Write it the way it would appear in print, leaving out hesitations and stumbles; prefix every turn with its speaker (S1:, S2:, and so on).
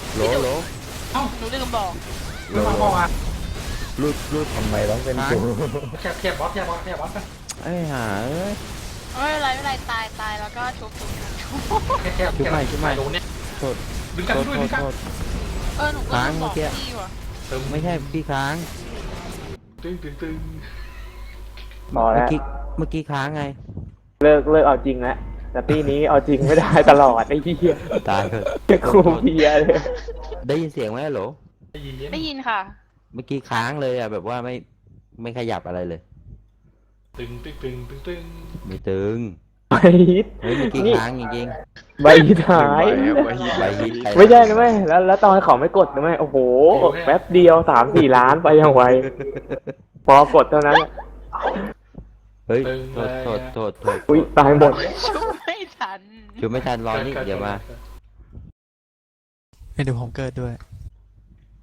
S1: โหลโหล
S2: เอ้าหนูลืมบอก
S1: โหล
S2: ไม่ฟังบอกอ่ะ
S1: รูดทำไมต้องเป็นกู
S2: แคบบอสไป
S1: ไอ้ห่าเอ้ย
S3: ไม่เป็นไรตายแล้วก็ชุบ
S2: แคบ
S1: ชุบใหม่
S2: โดนเนี่ย
S1: โทษ
S2: ดึงกัน
S1: โทษ
S2: ด้วย
S1: โท
S2: ดึ
S1: ษ
S2: งกัน
S1: โทษ
S3: หนูก็
S1: ค้าง
S3: ลืมบอก
S1: เมื่อกี้
S3: พี่ว่ะ
S1: ไม่ใช่พี่ค้าง
S2: ตึง
S4: พอ
S1: เมื่
S4: แล้
S1: อ
S4: ว
S1: กี้เมื่อกี้ค้างไง
S4: เลิกเอาจริงแล้วแต่ปีนี้เอาจริงไม่ได้ตลอดไอ้เหี้ย
S1: ตายเถอะ
S4: จะครูเพียเลย
S1: ได้ยินเสียงไหมโหล
S3: ได้ยินค่ะ
S1: เมื่อกี้ค้างเลยอ่ะแบบว่าไม่ขยับอะไรเลย
S2: ตึง
S1: ไม่ตึง
S4: ใบฮิต
S1: เฮ้ยเมื่อกี้
S4: นี่
S1: ค้างจริง
S4: ใบฮิตหาย
S1: ๆใบฮิต
S4: ไม่ใช่นะแม่แล้วตอนเขาไม่กดนะแม่โอ้โหแป๊บเดียว3-4 ล้านไปอย่างไวพอกดเท่านั้น
S1: เฮ้ยโทษ
S4: อุ้ยตายหมด
S3: ชุบไม่ทัน
S1: ช่วยไม่ทันรอนี่เดี๋ยวมา
S5: เดี๋ยวผมเกิดด้วย